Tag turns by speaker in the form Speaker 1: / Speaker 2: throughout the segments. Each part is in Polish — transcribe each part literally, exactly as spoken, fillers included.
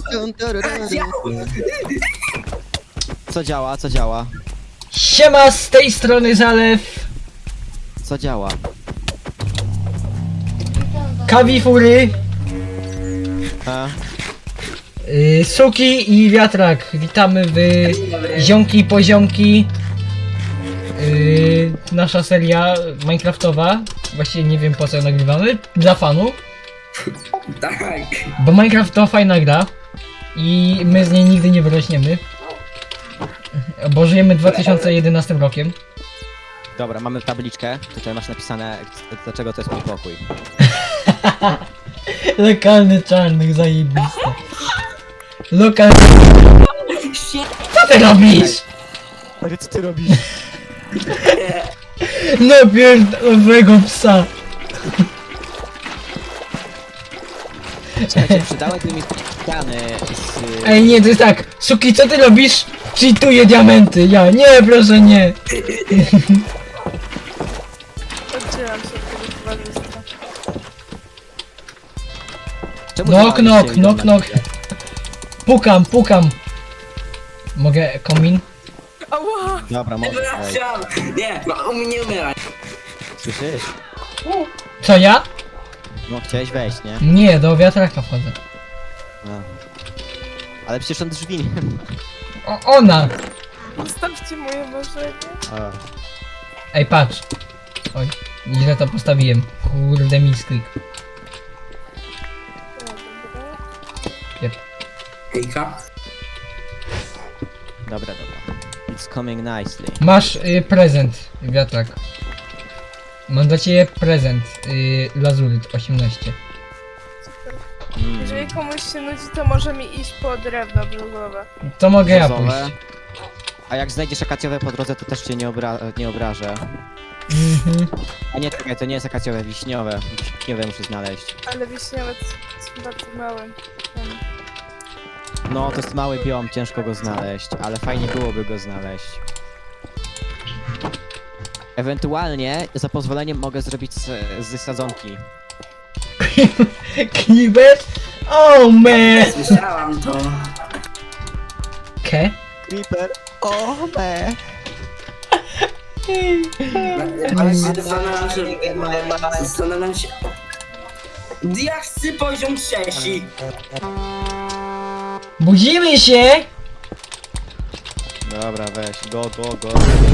Speaker 1: Co działa, co działa?
Speaker 2: Siema, z tej strony Zalew.
Speaker 1: Co działa?
Speaker 2: Kawifury,
Speaker 1: A?
Speaker 2: yy, Suki i Wiatrak. Witamy w Ziomki Poziomki. Yy, nasza seria Minecraftowa. Właściwie nie wiem po co ją nagrywamy. Dla fanów.
Speaker 3: Tak.
Speaker 2: Bo Minecraft to fajna gra. I my z niej nigdy nie wyrośniemy. Bo żyjemy dwa tysiące jedenastym rokiem.
Speaker 1: Dobra, mamy tabliczkę. Tutaj masz napisane, dlaczego to jest mój pokój.
Speaker 2: Lokalny czarnych, zajebiste. Lokalny... Co ty robisz?
Speaker 1: Ale co ty robisz?
Speaker 2: Napierdolowego psa.
Speaker 1: Słuchajcie, przydałyby mi ściany z...
Speaker 2: Ej, nie, to jest tak. Suki, co ty robisz? Cheatuję diamenty. Ja, nie, proszę, nie.
Speaker 4: Oddzielam się od tego towarzystwa.
Speaker 1: Czemu
Speaker 2: Knock,
Speaker 1: ty
Speaker 2: knock,
Speaker 1: masz
Speaker 2: knock,
Speaker 1: się
Speaker 2: knock. Pukam, pukam. Mogę komin?
Speaker 4: Ała!
Speaker 1: Dobra, może. Ej,
Speaker 3: Wracam. Nie, no u mnie nie umieraj.
Speaker 1: słyszysz?
Speaker 2: Co, ja?
Speaker 1: No chciałeś wejść, nie?
Speaker 2: Nie, do wiatraka wchodzę.
Speaker 1: A. Ale przecież on drzwi nie
Speaker 2: O, ona.
Speaker 4: Zostawcie moje marzenie.
Speaker 1: ma.
Speaker 2: Ej, patrz. Oj, źle to postawiłem. Kurde, misklik.
Speaker 4: O, dobra.
Speaker 3: Hejka.
Speaker 1: Dobra, dobra. It's coming nicely.
Speaker 2: Masz y, prezent, wiatrak. Mam dla ciebie prezent. Y, Lazuryt osiemnaście.
Speaker 1: Mm.
Speaker 4: Jeżeli komuś się nudzi, to może mi iść po drewno brzozowe.
Speaker 2: To mogę ja
Speaker 1: Brzozowe.
Speaker 2: pójść.
Speaker 1: A jak znajdziesz akacjowe po drodze, to też cię nie, obra nie obrażę.
Speaker 2: Mhm.
Speaker 1: A nie, czekaj, to nie jest akacjowe, wiśniowe. Wiśniowe muszę znaleźć.
Speaker 4: Ale wiśniowe są bardzo małe. Um,
Speaker 1: No, to jest mały biom, ciężko go znaleźć, ale fajnie byłoby go znaleźć. Ewentualnie, za pozwoleniem mogę zrobić z, z sadzonki.
Speaker 2: Kliber? Oh man!
Speaker 3: Słyszałam to.
Speaker 2: Ke?
Speaker 1: Creeper! O, me!
Speaker 3: Ale się zastanawiam się... Zastanawiam się... Diaksy poziom trzeci.
Speaker 2: Budzimy się!
Speaker 1: Dobra, weź, go, go, go.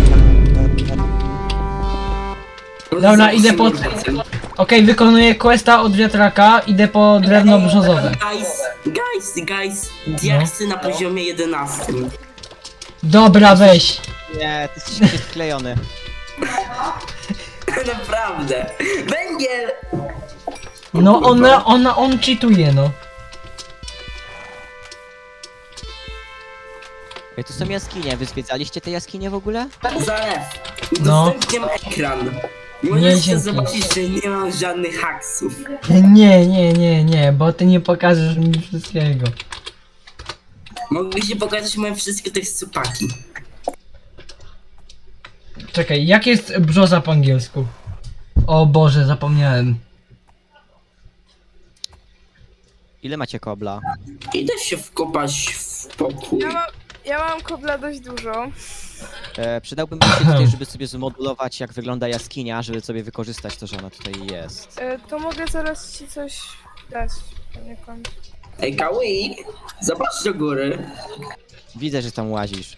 Speaker 2: Dobra, idę po... Okej, wykonuję questa od wiatraka, idę po drewno brzozowe.
Speaker 3: Guys, guys, guys. Diaksy na poziomie jedenastym.
Speaker 2: Dobra, weź.
Speaker 1: Nie, ty jesteś jakiś wklejony.
Speaker 3: Naprawdę. Węgiel!
Speaker 2: No ona, ona, on cheatuje, no.
Speaker 1: Ej, tu są jaskinie, wy zwiedzaliście te jaskinie w ogóle?
Speaker 3: Zalew.
Speaker 2: No.
Speaker 3: Udostępniam ekran.
Speaker 2: Nie,
Speaker 3: Możecie
Speaker 2: dzięki.
Speaker 3: zobaczyć, że nie mam żadnych haksów.
Speaker 2: Nie, nie, nie, nie, bo ty nie pokażesz mi wszystkiego.
Speaker 3: Mogę ci pokazać moje wszystkie tekstupaki.
Speaker 2: Czekaj, jak jest brzoza po angielsku? O Boże, zapomniałem.
Speaker 1: Ile macie kobla?
Speaker 3: Idę się wkopać w pokój.
Speaker 4: Ja mam, ja mam kobla dość dużo.
Speaker 1: E, przydałbym mi się tutaj, żeby sobie zmodulować, jak wygląda jaskinia, żeby sobie wykorzystać to, że ona tutaj jest.
Speaker 4: E, to mogę zaraz ci coś dać poniekąd.
Speaker 3: Ej, Kawi, zobacz do góry.
Speaker 1: Widzę, że tam łazisz.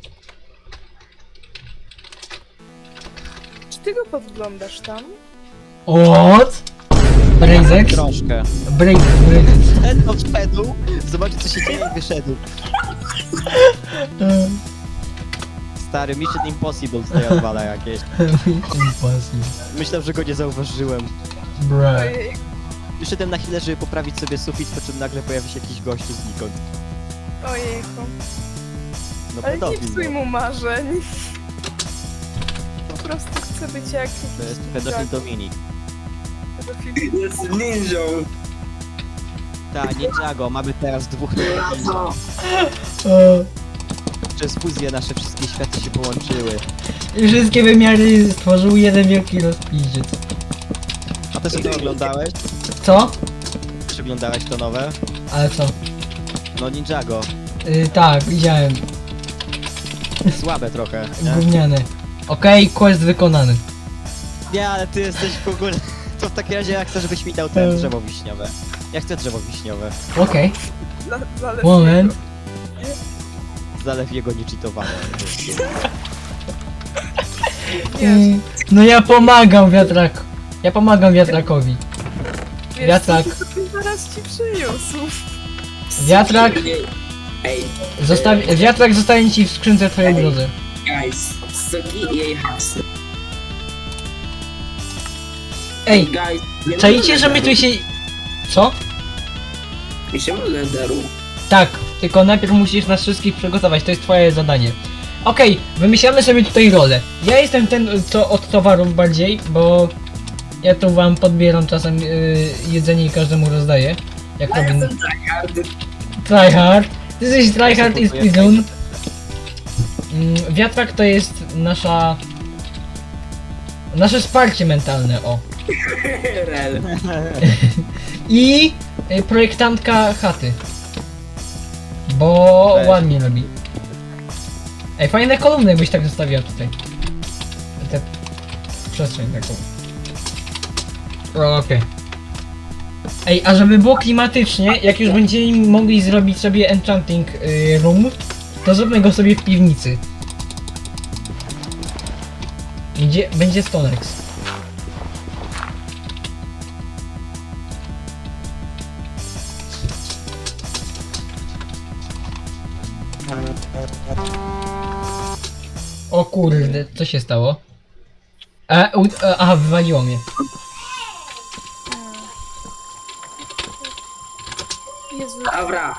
Speaker 4: Czy ty go podglądasz tam?
Speaker 2: What? Brazex?
Speaker 1: Troszkę.
Speaker 2: Brazex, Brazex.
Speaker 1: Ten odszedł, zobaczy co się dzieje i wyszedł. Stary, Mission Impossible tutaj odwala jakieś.
Speaker 2: Impossible.
Speaker 1: Myślałem, że go nie zauważyłem.
Speaker 2: Bruh.
Speaker 4: Ojej,
Speaker 1: Wyszedłem na chwilę, żeby poprawić sobie sufit, po czym nagle pojawi się jakiś gościu znikąd.
Speaker 4: ojejku.
Speaker 1: No
Speaker 4: Ale nie
Speaker 1: pedofil,
Speaker 4: psuj
Speaker 1: no.
Speaker 4: mu marzeń. Po prostu chcę być jak
Speaker 1: To jest pedofil Dominik.
Speaker 4: pedofil.
Speaker 3: Jest ninją.
Speaker 1: Ta, nie Jago, mamy teraz dwóch pedofili.
Speaker 2: O,
Speaker 1: Przez fuzję nasze wszystkie światy się połączyły.
Speaker 2: I wszystkie wymiary stworzył jeden wielki rozpiździec.
Speaker 1: A ty sobie to oglądałeś?
Speaker 2: Co?
Speaker 1: Czy oglądałeś to nowe?
Speaker 2: Ale co?
Speaker 1: No Ninjago.
Speaker 2: Y, tak, widziałem.
Speaker 1: Słabe trochę, nie?
Speaker 2: Gówniane. Okej, quest wykonany.
Speaker 1: Nie, ale ty jesteś w ogóle... To w takim razie ja chcę, żebyś mi dał ten
Speaker 2: Hmm.
Speaker 1: drzewo wiśniowe. Ja chcę drzewo wiśniowe.
Speaker 2: Okej,
Speaker 4: Dla, dla
Speaker 2: moment.
Speaker 1: Zalew jego niecheatowane.
Speaker 4: Wiesz,
Speaker 2: Y, no ja pomagam wiatrak. Ja pomagam wiatrakowi.
Speaker 4: wiesz,
Speaker 2: wiatrak.
Speaker 4: co ty zaraz ci przyniósł.
Speaker 2: Wiatrak.
Speaker 3: Ej,
Speaker 2: Zostawi... Wiatrak zostanie ci w skrzynce twojej drodze.
Speaker 3: guys, soki i jej haksy.
Speaker 2: Ej,
Speaker 3: Guys, nie
Speaker 2: czaicie,
Speaker 3: ma
Speaker 2: że my tu
Speaker 3: lederu.
Speaker 2: się... Co?
Speaker 3: Idziemy do lederu.
Speaker 2: Tak, tylko najpierw musisz nas wszystkich przygotować, to jest twoje zadanie. Okej, wymyślamy sobie tutaj rolę. Ja jestem ten, co od towarów bardziej, bo ja tu wam podbieram czasem yy, jedzenie i każdemu rozdaję. Jak
Speaker 3: Ja
Speaker 2: Robin.
Speaker 3: jestem tryhard.
Speaker 2: Tryhard. Ty jesteś tryhard i
Speaker 1: Ja sobie
Speaker 2: speedrun. Mm, Wiatrak to jest nasza... Nasze wsparcie mentalne, o.
Speaker 3: Rel.
Speaker 2: I y, projektantka chaty. Bo
Speaker 1: Weź.
Speaker 2: ładnie robi. Ej, fajne kolumny byś tak zostawiła tutaj. Tę przestrzeń taką. O, okej. Ej, a żeby było klimatycznie, jak już będziemy mogli zrobić sobie enchanting y, room, to zróbmy go sobie w piwnicy. Gdzie będzie Stonex. O kurde, co się stało? E, u, e, aha, wywaliło mnie.
Speaker 4: Jezu,
Speaker 3: Dobra.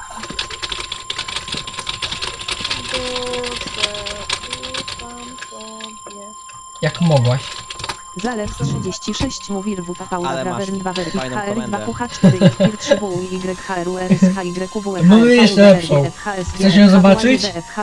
Speaker 4: Boże, ufam tobie.
Speaker 2: Jak mogłaś?
Speaker 5: Zalew trzydzieści sześć mówi rwów Paula
Speaker 1: Ale masz
Speaker 5: Travern dwa Werwik
Speaker 1: fajną
Speaker 5: H R
Speaker 1: komendę.
Speaker 5: dwa Q H cztery F trzy W Y H R U R S H Y W E
Speaker 2: Mamy jeszcze lepszą. Chcesz ją zobaczyć?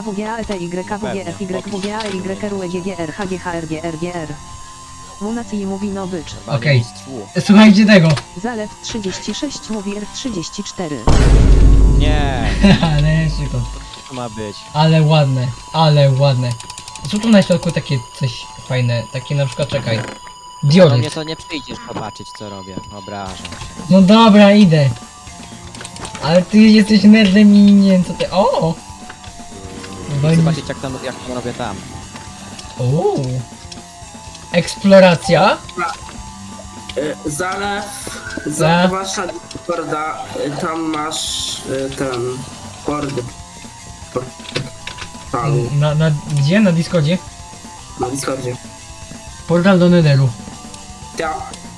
Speaker 5: Munacji mówi no bycz.
Speaker 2: Okej.
Speaker 1: Mistrzu.
Speaker 2: Słuchajcie tego.
Speaker 5: Zalew trzydzieści sześć mówi R trzydzieści cztery.
Speaker 1: Nie,
Speaker 2: Ale jeszcze to.
Speaker 1: to ma być.
Speaker 2: Ale ładne, ale ładne. Co tu na środku takie coś fajne, takie na przykład, czekaj.
Speaker 1: Do mnie
Speaker 2: Dioryt.
Speaker 1: to nie przyjdziesz zobaczyć co robię. Obrażam się.
Speaker 2: No dobra, idę. Ale ty jesteś nerdem i nie wiem co ty... O! Walisz-
Speaker 1: Zobaczyć jak, tam, jak to robię tam.
Speaker 2: O! Eksploracja?
Speaker 3: Y, Zalew.
Speaker 2: Za-
Speaker 3: Zobacz na Discorda. y, Tam masz y, ten... Kordy. Portalu.
Speaker 2: Na, na, gdzie? Na Discordzie?
Speaker 3: Na Discordzie.
Speaker 2: Portal do Netheru.
Speaker 3: Ja.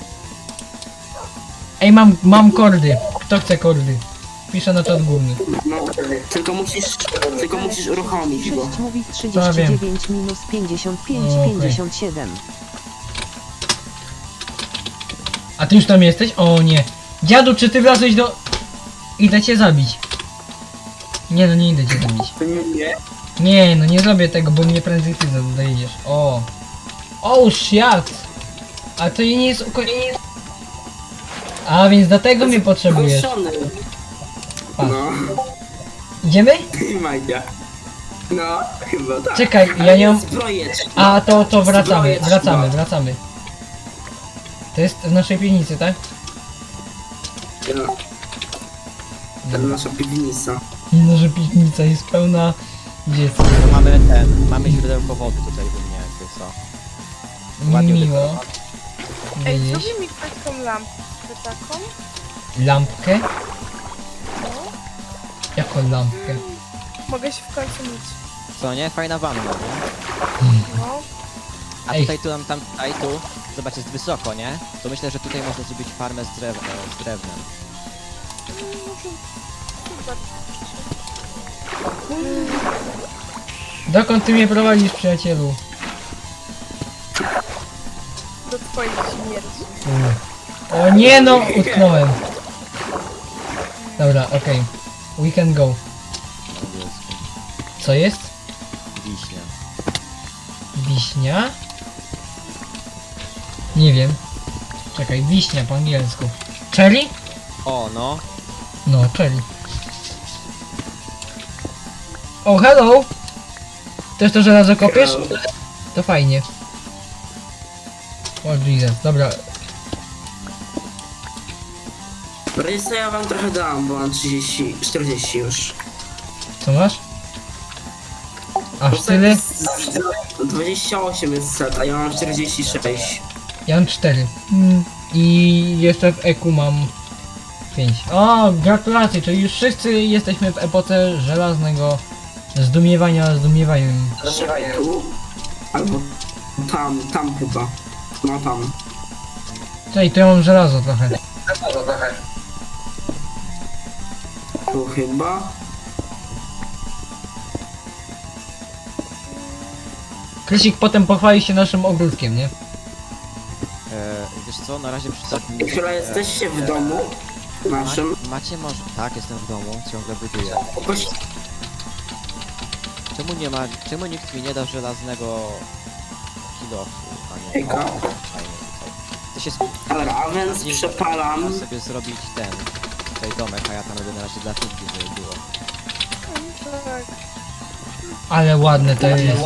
Speaker 2: Ej, mam, mam kordy. Kto chce kordy? Piszę na czat główny.
Speaker 3: No, tylko musisz, tylko musisz uruchomić go.
Speaker 5: sześć mówi trzydzieści dziewięć minus pięćdziesiąt pięć
Speaker 2: Okej.
Speaker 5: pięćdziesiąt siedem.
Speaker 2: A ty już tam jesteś? O nie. Dziadu, czy ty wlazłeś do... Idę cię zabić. Nie no, nie idę cię zabić.
Speaker 3: Nie.
Speaker 2: Nie, no nie zrobię tego, bo mnie prędzej ty dojedziesz. O. O, shit. A to nie jest uko... A, więc dlatego mnie potrzebujesz.
Speaker 3: Kończony.
Speaker 2: Pa.
Speaker 3: No.
Speaker 2: Idziemy?
Speaker 3: I Magia. No, chyba tak.
Speaker 2: Czekaj, ja
Speaker 3: Ale
Speaker 2: nie mam...
Speaker 3: zbrojeczki.
Speaker 2: A, to, to wracamy,
Speaker 3: Zbrojeczki,
Speaker 2: wracamy,
Speaker 3: no.
Speaker 2: wracamy. To jest w naszej piwnicy, tak?
Speaker 3: No. To nasza piwnica.
Speaker 2: No, że piwnica jest pełna dziecka.
Speaker 1: To mamy ten, mamy źródełko wody tutaj u mnie jakby co. Ładnie
Speaker 2: Miło.
Speaker 1: udekorowane.
Speaker 4: Ej,
Speaker 2: Widzisz?
Speaker 4: zrobi mi ktoś tą lampkę taką?
Speaker 2: Lampkę?
Speaker 4: No.
Speaker 2: Jaką lampkę?
Speaker 4: Mogę się w końcu myć.
Speaker 1: Co nie? Fajna wanna, nie?
Speaker 4: No.
Speaker 1: A
Speaker 2: Ej.
Speaker 1: tutaj, tu, tam, tam, tutaj, tu, zobacz, jest wysoko, nie? To myślę, że tutaj można zrobić farmę z, drew z drewnem.
Speaker 2: Dokąd ty mnie prowadzisz, przyjacielu?
Speaker 4: Do twojej śmierci.
Speaker 2: O nie no, utknąłem. Dobra, okej. We can go. Co jest?
Speaker 1: Wiśnia.
Speaker 2: Wiśnia? Nie wiem. Czekaj, wiśnia po angielsku. Cherry?
Speaker 1: O, no.
Speaker 2: No, cherry. O, hello! Też to żelazo kopiesz? To fajnie. O Jesus, dobra.
Speaker 3: Rejsa ja wam trochę dam, bo mam trzydzieści, czterdzieści już.
Speaker 2: Co masz? Aż
Speaker 3: Bo
Speaker 2: tyle?
Speaker 3: set- dwadzieścia osiem jest set, a ja mam czterdzieści sześć.
Speaker 2: Ja mam cztery. Mm. I jeszcze w eku mam pięć. O, gratulacje, czyli już wszyscy jesteśmy w epoce żelaznego zdumiewania zdumiewaniem.
Speaker 3: Tu? Albo tam, tam chyba. No tam.
Speaker 2: Czyli to ja mam żelazo trochę.
Speaker 3: Tu chyba.
Speaker 2: Krysik potem pochwali się naszym ogródkiem, nie?
Speaker 1: E, wiesz co, na razie przydatnie...
Speaker 3: Chyba jesteście w domu naszym.
Speaker 1: Macie może... Tak, jestem w domu, ciągle buduję.
Speaker 3: Jakoś
Speaker 1: Czemu nie ma... Czemu nikt mi nie da żelaznego... kilofu, a nie...
Speaker 3: Hejka.
Speaker 1: Fajnie tutaj. To się... sk-
Speaker 3: Dobra, a więc
Speaker 1: nie-
Speaker 3: przepalam.
Speaker 1: Można sobie zrobić ten... Tutaj domek, a ja tam robię na razie dla figli, żeby było.
Speaker 4: Tak.
Speaker 2: Ale ładne to jest.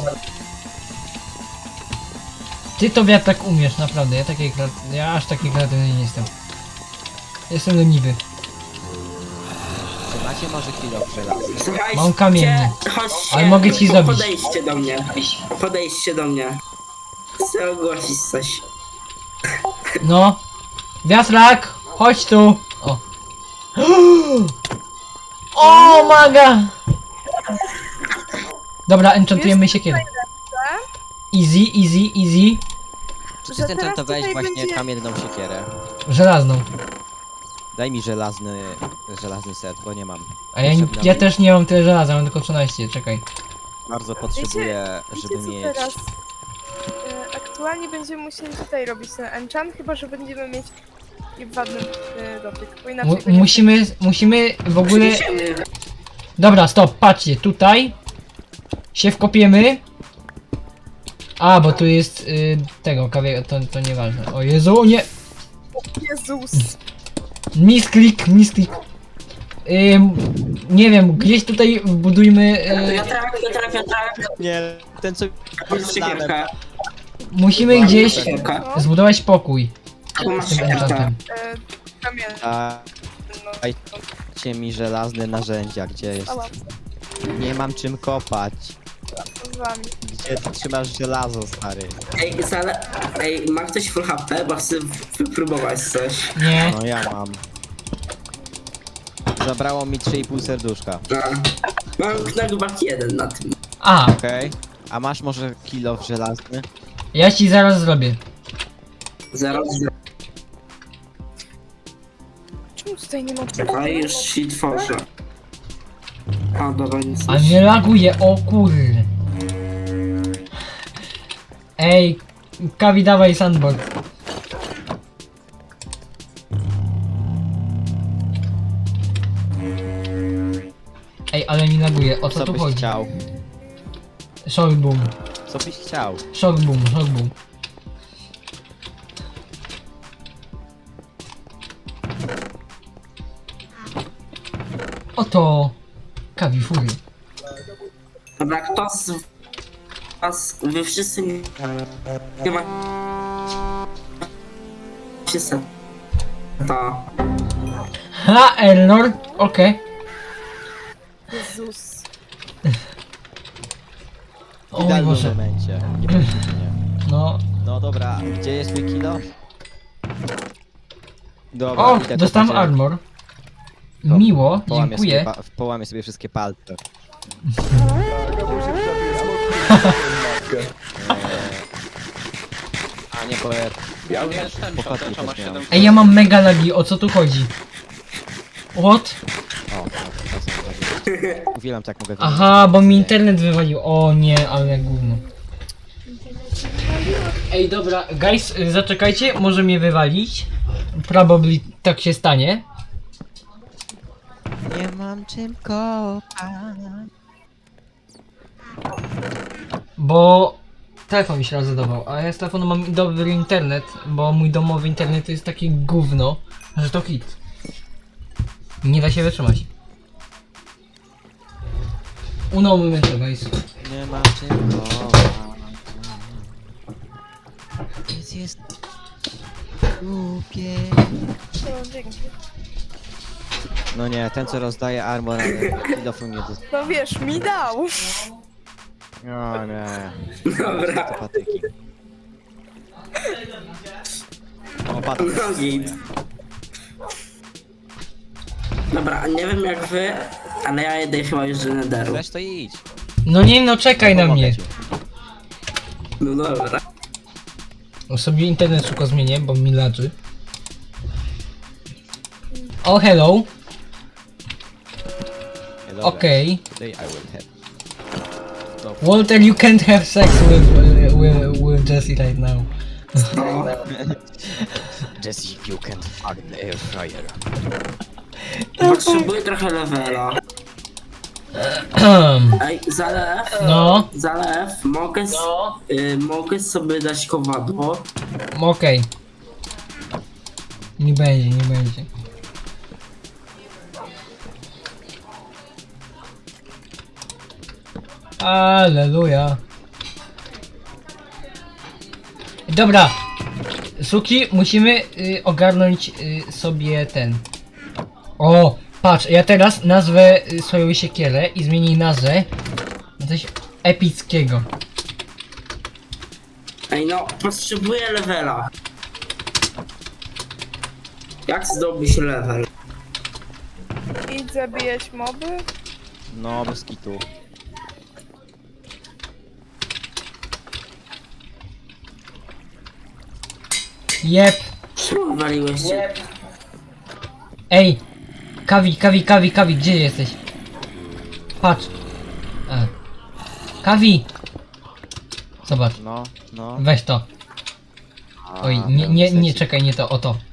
Speaker 2: Ty to wiatr tak umiesz, naprawdę. Ja takiej kre- ja aż taki kreatywny nie jestem. Jestem leniwy.
Speaker 1: Czy macie może kilof żelazny?
Speaker 3: Słuchajcie,
Speaker 2: Mam kamienny.
Speaker 3: chodźcie,
Speaker 2: Ale mogę ci
Speaker 3: po-
Speaker 2: zabić.
Speaker 3: Podejdźcie do mnie. Podejdźcie do mnie. Chcę ogłosić coś.
Speaker 2: No. Wiatrak! Chodź tu! O. O, maga! Dobra, enchantujemy siekierę. Easy, easy, easy.
Speaker 1: Czy
Speaker 4: Że
Speaker 1: ty
Speaker 4: teraz
Speaker 1: enchantowałeś
Speaker 4: tutaj
Speaker 1: właśnie
Speaker 4: będzie-
Speaker 1: kamienną siekierę?
Speaker 2: Żelazną.
Speaker 1: Daj mi żelazny... żelazny set, bo nie mam.
Speaker 2: A ja,
Speaker 1: Potrzebna
Speaker 2: ja
Speaker 1: mi.
Speaker 2: też nie mam tyle żelaza, mam tylko trzynaście, czekaj.
Speaker 1: Bardzo potrzebuję,
Speaker 4: Wiecie
Speaker 1: żeby
Speaker 4: co
Speaker 1: mieć...
Speaker 4: teraz? E, aktualnie będziemy musieli tutaj robić ten enchant, chyba że będziemy mieć ładny e, dotyk, bo inaczej
Speaker 2: Mu
Speaker 4: będzie-
Speaker 2: musimy, musimy w ogóle...
Speaker 3: Idziemy.
Speaker 2: Dobra, stop, patrzcie, tutaj się wkopiemy. A, bo tu jest y, tego kawie, to, to nieważne. O Jezu, nie!
Speaker 4: Jezus!
Speaker 2: Misklik, misklik. Ym, nie wiem, gdzieś tutaj budujmy. Y,
Speaker 3: Wiatrak, wiatrak, wiatrak.
Speaker 1: Nie, ten co...
Speaker 3: Masz siekierkę.
Speaker 2: musimy gdzieś
Speaker 3: Siekierkę.
Speaker 4: No,
Speaker 2: zbudować pokój
Speaker 3: Tu masz
Speaker 2: z tym
Speaker 3: siekierkę.
Speaker 2: enchantem.
Speaker 4: e, kamienny,
Speaker 1: A,
Speaker 4: no.
Speaker 1: dajcie mi żelazne narzędzia, gdzie jest?
Speaker 4: Ała,
Speaker 1: Nie mam czym kopać.
Speaker 4: z wami.
Speaker 1: Gdzie ty trzymasz żelazo, stary?
Speaker 3: Ej, zale... Ej, ma ktoś full H P? Bo chcę wypróbować coś.
Speaker 2: Nie,
Speaker 1: No ja mam. Zabrało mi trzy i pół serduszka.
Speaker 3: No. Mam knockback jeden na tym.
Speaker 2: a,
Speaker 1: Okej. A masz może kilof żelazny?
Speaker 2: ja ci zaraz zrobię.
Speaker 3: Zaraz.
Speaker 4: Czemu tutaj nie ma
Speaker 3: Czekaj, już się tworzę. A, dobra, nic
Speaker 2: A nie laguje, o kurde. Ej, Kawi, dawaj sandboard. Ej, ale mi laguje, o co,
Speaker 1: Co
Speaker 2: tu
Speaker 1: byś
Speaker 2: chodzi?
Speaker 1: chciał?
Speaker 2: Shock boom,
Speaker 1: Co byś chciał?
Speaker 2: shock boom, shock boom. Oto Kawi Fury.
Speaker 3: Dobra, kto z was, wy wszyscy nie, nie ma się seta.
Speaker 2: Ha, error, okej.
Speaker 4: Jezus.
Speaker 2: O
Speaker 1: W
Speaker 2: mój
Speaker 1: idealnym
Speaker 2: Boże.
Speaker 1: momencie. Nie proszę mnie.
Speaker 2: No,
Speaker 1: No dobra, gdzie jest mój kilo? Dobra,
Speaker 2: o,
Speaker 1: idę
Speaker 2: dostałem
Speaker 1: kopać,
Speaker 2: armor.
Speaker 1: No,
Speaker 2: Miło,
Speaker 1: połamię
Speaker 2: dziękuję.
Speaker 1: Sobie, pa- połamię sobie wszystkie palce. A nie, bo ja...
Speaker 6: Ja już jestem,
Speaker 1: Pochodnie
Speaker 6: przepraszam, ma
Speaker 1: też miałem.
Speaker 6: siedem.
Speaker 2: Ej, ja mam mega lagi, o co tu chodzi? What?
Speaker 1: O, no, to są takie- Uwielbiam tak mogę wyglądać.
Speaker 2: Aha, bo mi internet wywalił. O nie, ale gówno. Ej, dobra, guys, y, zaczekajcie, może mnie wywalić. Probably tak się stanie.
Speaker 1: Nie mam czym kopać.
Speaker 2: Bo telefon mi się rozładował, a ja z telefonu mam dobry internet, bo mój domowy internet jest takie gówno, że to hit. Nie da się wytrzymać. Uno momento, guys.
Speaker 1: Nie ma czego. Nic jest głupie.
Speaker 4: No, dzięki.
Speaker 1: No nie, ten co rozdaje armor, kilofu nie do...
Speaker 4: No wiesz, mi dał.
Speaker 1: O nie.
Speaker 3: Dobra.
Speaker 1: To patyki. O, patyk.
Speaker 3: No git. Dobra, nie wiem jak wy, ale ja jedę chyba już do Netheru.
Speaker 1: Weź to idź.
Speaker 2: No nie, no czekaj na
Speaker 1: Pomogę
Speaker 2: mnie.
Speaker 1: ci.
Speaker 3: No dobra.
Speaker 2: O, sobie internet szybko zmienię, bo mi laczy. O, hello.
Speaker 1: Nie, dobra.
Speaker 2: Okej.
Speaker 1: Today I will have. No,
Speaker 2: Walter, you can't have sex with, with, with Jessie right now.
Speaker 3: No.
Speaker 1: Jesse, you can fuck the air fryer.
Speaker 3: Potrzebuję trochę levela. Ej, zalew,
Speaker 2: No,
Speaker 3: zalew, mogę, s- y, mogę sobie dać kowadło.
Speaker 2: okej. Nie będzie, nie będzie. Aleluja. Dobra. Suki, musimy y, ogarnąć y, sobie ten. O, patrz, ja teraz nazwę y, swoją siekierę i zmienię nazwę na coś epickiego.
Speaker 3: Ej no, potrzebuję levela. Jak zdobyć level?
Speaker 4: Idź zabijać moby.
Speaker 1: No, bez kitu.
Speaker 2: Jep.
Speaker 3: Czemu waliłeś się?
Speaker 2: Ej! Kawi, kawi, kawi, kawi, gdzie jesteś? Patrz. A. Kawi! Zobacz,
Speaker 1: No, no.
Speaker 2: weź to.
Speaker 1: A,
Speaker 2: Oj, nie,
Speaker 1: miałem
Speaker 2: nie, nie,
Speaker 1: sesję.
Speaker 2: czekaj, nie to, o to.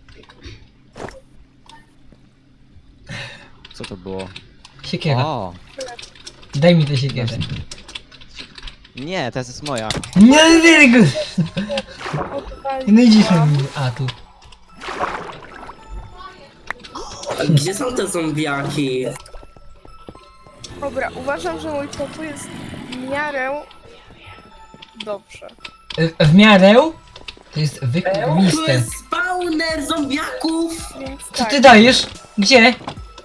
Speaker 1: Co to było?
Speaker 2: Siekiera.
Speaker 1: O!
Speaker 2: Daj mi tę siekierę.
Speaker 1: Nie, to jest moja.
Speaker 2: Nie, nie, nie,
Speaker 4: Odpali.
Speaker 2: no idziesz na mnie. A, tu.
Speaker 3: A gdzie są te zombiaki?
Speaker 4: Dobra, uważam, że mój pokój jest w miarę dobrze.
Speaker 2: Y, W miarę to jest
Speaker 3: Tu
Speaker 2: wykwiste.
Speaker 3: jest spawner zombiaków!
Speaker 4: Więc
Speaker 2: Co
Speaker 4: tak,
Speaker 2: ty dajesz? Gdzie?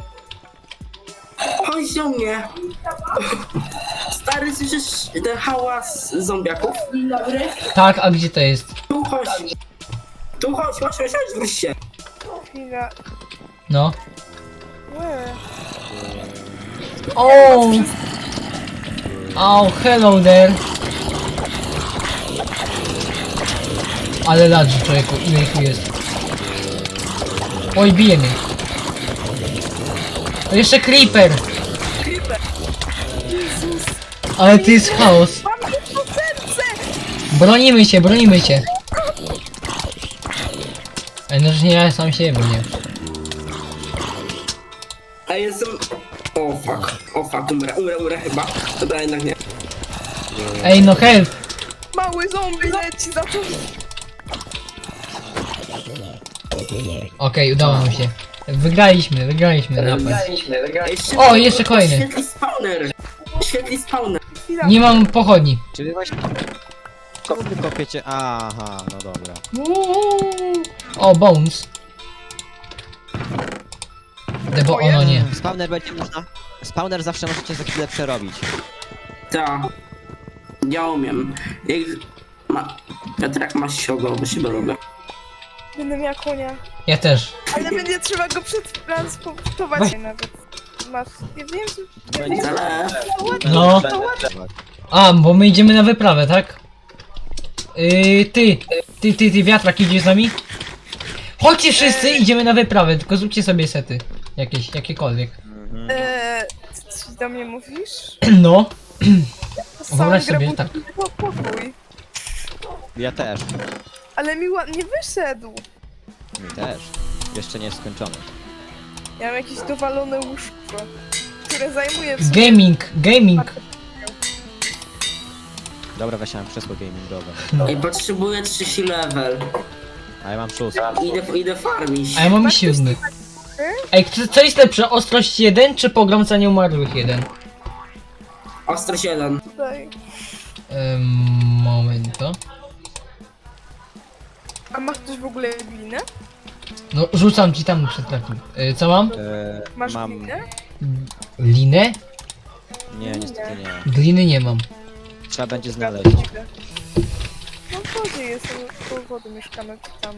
Speaker 3: Chodź do mnie! Stary, słyszysz ten hałas zombiaków?
Speaker 2: Tak, a gdzie to jest?
Speaker 3: Tu chodź! Tu chodź, chodź, chodź, chodź, wróć się!
Speaker 4: chwila.
Speaker 2: No.
Speaker 4: Łe.
Speaker 2: O! Oh, hello there. Ale ladzi, człowieku, ile ich tu jest. Oj, bije mnie. To jeszcze creeper.
Speaker 4: Creeper. Jezus.
Speaker 2: Ale to jest chaos.
Speaker 4: Mam tylko serce!
Speaker 2: Bronimy się, bronimy się. Ej, no, że nie ja sam siebie bronię.
Speaker 3: A jestem... O fuck, o fuck, umrę, umrę, umrę chyba. Dobra, jednak nie.
Speaker 2: Ej, no help.
Speaker 4: Mały zombie leci za to.
Speaker 2: Okej, udało nam się. Wygraliśmy, wygraliśmy napad.
Speaker 3: Jeszcze
Speaker 2: O, jeszcze kolejny.
Speaker 3: Świetli spawner! Świetli spawner!
Speaker 4: Chwila.
Speaker 2: Nie mam pochodni.
Speaker 1: Czy wy właśnie... Czemu wy kopiecie? Aha, no dobra.
Speaker 2: Uuu. O, bones. Debo, ono nie.
Speaker 1: Spawner będzie można... Spawner zawsze możecie za chwilę przerobić.
Speaker 3: Ta. Ja umiem. Jak... Ma... Piotrek, masz się bo się robię.
Speaker 4: Będę miała konia.
Speaker 2: Ja też.
Speaker 4: Ale będzie trzeba go przetransportować
Speaker 2: Weź.
Speaker 4: nawet. Masz, nie wiem, że...
Speaker 3: Zalew.
Speaker 2: No. A, bo my idziemy na wyprawę, tak? Yy, ty, ty, ty, ty, wiatrak, idziesz z nami? Chodźcie wszyscy, idziemy na wyprawę, tylko zróbcie sobie sety. Jakieś, jakiekolwiek.
Speaker 4: Eee, co ty do mnie mówisz?
Speaker 2: No,
Speaker 4: Sam
Speaker 2: Wyobraź
Speaker 4: grę
Speaker 2: sobie,
Speaker 4: budzi
Speaker 2: tak.
Speaker 4: tylko pokój.
Speaker 1: Ja też.
Speaker 4: Ale mi ładnie wyszedł.
Speaker 1: Mi też. Jeszcze nie jest skończony.
Speaker 4: Ja mam jakieś dowalone łóżko, które zajmuje w sumie...
Speaker 2: gaming, gaming.
Speaker 1: Dobra, weź mam krzesło gamingowe.
Speaker 3: Ej, potrzebuję trzeci level.
Speaker 1: A ja mam szósty.
Speaker 3: Idę, idę farmić.
Speaker 2: A ja mam siódmy. Ej, co, co jest lepsze, ostrość jeden czy pogromca nieumarłych jeden?
Speaker 3: Ostrość jeden.
Speaker 4: Tutaj.
Speaker 2: Ym, momento.
Speaker 4: A masz też w ogóle glinę?
Speaker 2: No, rzucam ci tam przed takim. Y, co mam?
Speaker 1: E,
Speaker 4: Masz
Speaker 1: mam...
Speaker 4: glinę?
Speaker 2: Linę?
Speaker 1: Nie, niestety nie.
Speaker 2: Gliny nie mam.
Speaker 1: Trzeba będzie znaleźć.
Speaker 4: No w wodzie jest, koło wody mieszkamy tam.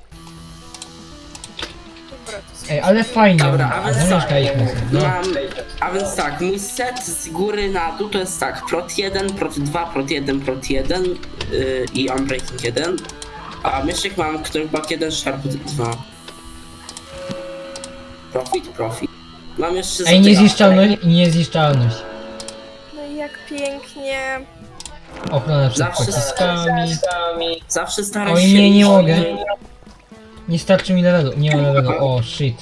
Speaker 4: Dobra, to sobie
Speaker 2: Ej, ale fajnie.
Speaker 3: Dobra, a więc tak,
Speaker 2: Zamieszkaliśmy sobie. No.
Speaker 3: mam, a więc tak, mój set z góry na dół to jest tak, prot jeden, prot dwa, prot jeden, prot jeden yy, i unbreaking jeden. A myszek mam, który bak jeden, sharp dwa. Profit, profit. Mam jeszcze
Speaker 2: Ej,
Speaker 3: za tego-
Speaker 2: niezniszczalność i niezniszczalność.
Speaker 4: No i jak pięknie.
Speaker 2: Ochrona przed
Speaker 3: Zawsze-
Speaker 2: pociskami.
Speaker 3: Zawsze staram
Speaker 2: Oj,
Speaker 3: się...
Speaker 2: nie, nie mogę. Nie starczy mi levelu. Nie mam levelu. O, shit.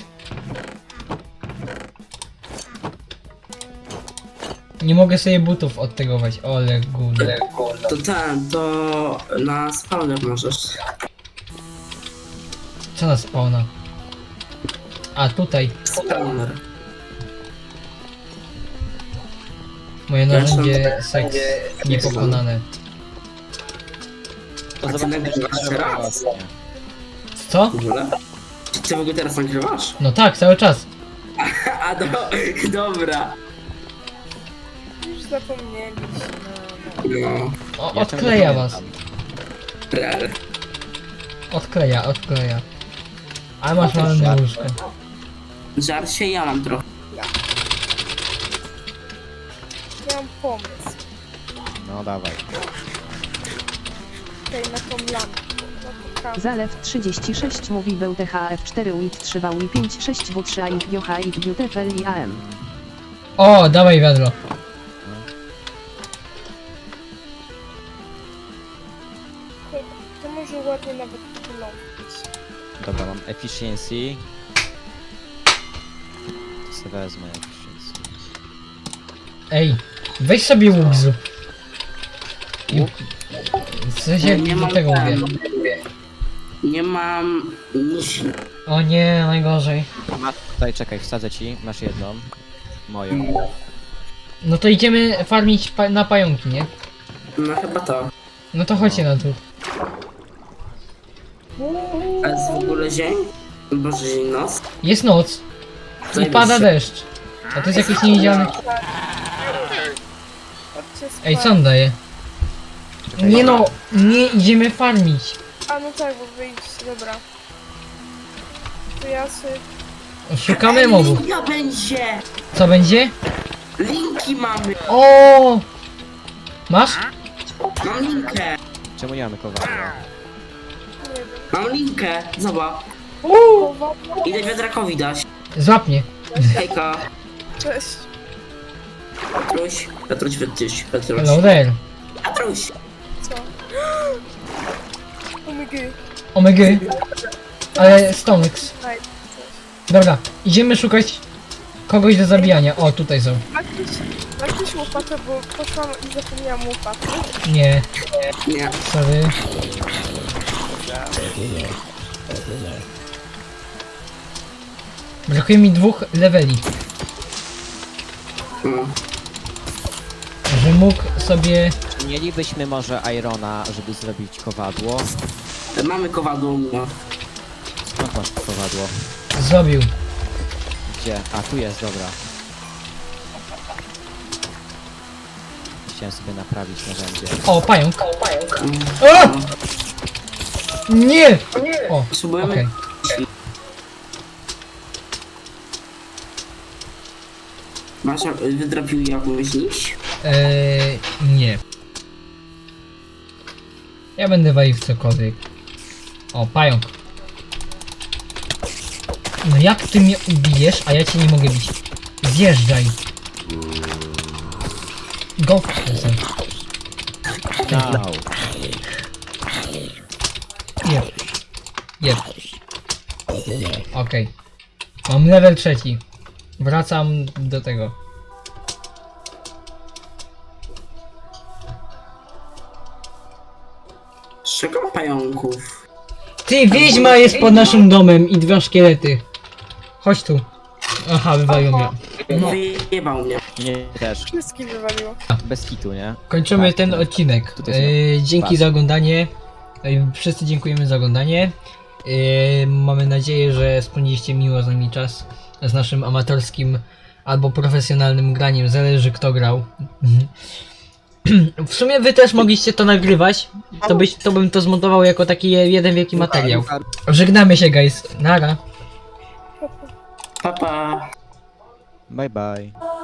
Speaker 2: Nie mogę sobie butów odtegować. Ole gule.
Speaker 3: To ten, to na spawner możesz.
Speaker 2: Co nas spawna? A, tutaj.
Speaker 3: Spawner.
Speaker 2: Moje narzędzie seks niepokonane.
Speaker 1: To
Speaker 3: A ty
Speaker 1: zobaczymy,
Speaker 3: nagrywasz
Speaker 1: czy
Speaker 3: teraz?
Speaker 1: właśnie.
Speaker 2: Co?
Speaker 3: W ogóle? Czy ty w ogóle teraz nagrywasz?
Speaker 2: No tak, cały czas.
Speaker 3: A do, dobra.
Speaker 4: Już zapomnieliśmy.
Speaker 3: No,
Speaker 2: O,
Speaker 1: Ja ciągle
Speaker 2: odkleja was.
Speaker 1: pamiętam.
Speaker 3: rel.
Speaker 2: Odkleja, odkleja. Ale masz
Speaker 1: No to
Speaker 2: malne
Speaker 1: żart.
Speaker 2: łóżko.
Speaker 3: Żar się ja mam trochę.
Speaker 4: Ja mam pomysł.
Speaker 1: No dawaj.
Speaker 4: Tutaj na tą lampę. Na tą kamerę.
Speaker 5: Zalew trzydzieści sześć mówi był T H F cztery U I T trzy V U I pięć sześć W trzy A I T G H I T Beautiful I A M.
Speaker 2: O, dawaj wiadro.
Speaker 4: To, to może ładnie nawet wyglądać.
Speaker 1: Dobra, mam efficiency. To sobie wezmę efficiency.
Speaker 2: Ej, weź sobie łuk zrób.
Speaker 1: Łuk?
Speaker 2: W sensie
Speaker 3: Nie
Speaker 2: do
Speaker 3: mam
Speaker 2: tego
Speaker 3: ten.
Speaker 2: mówię.
Speaker 3: Nie mam nic.
Speaker 2: O nie, najgorzej.
Speaker 1: Masz tutaj, czekaj, wsadzę ci. Masz jedną. Moją.
Speaker 2: No to idziemy farmić pa na pająki, nie?
Speaker 3: No chyba to.
Speaker 2: No to chodźcie na dół.
Speaker 3: A jest w ogóle dzień? Boże, dzień, noc.
Speaker 2: Jest noc i
Speaker 3: Zajebiście.
Speaker 2: pada deszcz. A to jest jakiś niewidzialny...
Speaker 4: Chodźcie spać.
Speaker 2: Ej, co on daje?
Speaker 1: Czekaj,
Speaker 2: Nie no, nie idziemy farmić.
Speaker 4: A no tak, bo wyjść, dobra. To ja sobie...
Speaker 2: Szukamy mobów.
Speaker 3: Linka będzie!
Speaker 2: Co będzie?
Speaker 3: Linki mamy!
Speaker 2: O! Masz?
Speaker 3: Mam linkę!
Speaker 1: Czemu nie mamy kowadła?
Speaker 4: Nie wiem.
Speaker 3: Mam linkę! Zobacz.
Speaker 4: Kowadło?
Speaker 3: Idę wiatrakowi dać.
Speaker 2: Złap mnie.
Speaker 3: Hejka.
Speaker 4: Cześć.
Speaker 3: Petruś. Petruś, Petruś, Petruś.
Speaker 2: Hello there.
Speaker 3: Petruś!
Speaker 4: Co? Omygy.
Speaker 2: Omega. Ale Stonix.
Speaker 4: Daj.
Speaker 2: Dobra, idziemy szukać kogoś do zabijania. O, tutaj są.
Speaker 4: Ma ktoś, ma ktoś łopatę, bo poszłam i zapomniałam łopaty.
Speaker 2: Nie,
Speaker 3: Nie.
Speaker 2: sorry. Brakuje mi dwóch leveli,
Speaker 3: No.
Speaker 2: że mógł sobie...
Speaker 1: Czy mielibyśmy może Irona, żeby zrobić kowadło?
Speaker 3: Mamy kowadło u mnie.
Speaker 1: Skąd masz kowadło?
Speaker 2: zrobił.
Speaker 1: Gdzie? A, tu jest, dobra. Chciałem sobie naprawić narzędzie.
Speaker 2: O, pająk.
Speaker 3: Mm.
Speaker 2: O! Nie! O,
Speaker 3: Potrzebujemy...
Speaker 2: okej.
Speaker 3: Masz, wydrapił jakąś nić?
Speaker 2: Eee, nie. Ja będę walił w cokolwiek. O, pająk. No jak ty mnie ubijesz, a ja cię nie mogę bić? Zjeżdżaj. Go f***ing.
Speaker 1: Wow.
Speaker 2: Jeb. Jeb. Okej. Mam level trzeci. Wracam do tego.
Speaker 3: Szukam pająków.
Speaker 2: Ty, wiedźma jest pod naszym domem i dwa szkielety. Chodź tu. Aha, wywalił mnie. No.
Speaker 3: Wyjebał mnie.
Speaker 1: Nie, też.
Speaker 4: Wszystkich wywaliło.
Speaker 1: Bez kitu, nie?
Speaker 2: Kończymy
Speaker 1: Tak,
Speaker 2: ten
Speaker 1: tak.
Speaker 2: odcinek.
Speaker 1: Tutaj
Speaker 2: E, dzięki
Speaker 1: pas.
Speaker 2: za oglądanie. E, wszyscy dziękujemy za oglądanie. E, mamy nadzieję, że spędziliście miło z nami czas z naszym amatorskim albo profesjonalnym graniem. Zależy kto grał. W sumie wy też mogliście to nagrywać. To, byś, to bym to zmontował jako taki jeden wielki materiał. Żegnamy się guys. Nara.
Speaker 3: Pa, pa.
Speaker 1: Bye bye.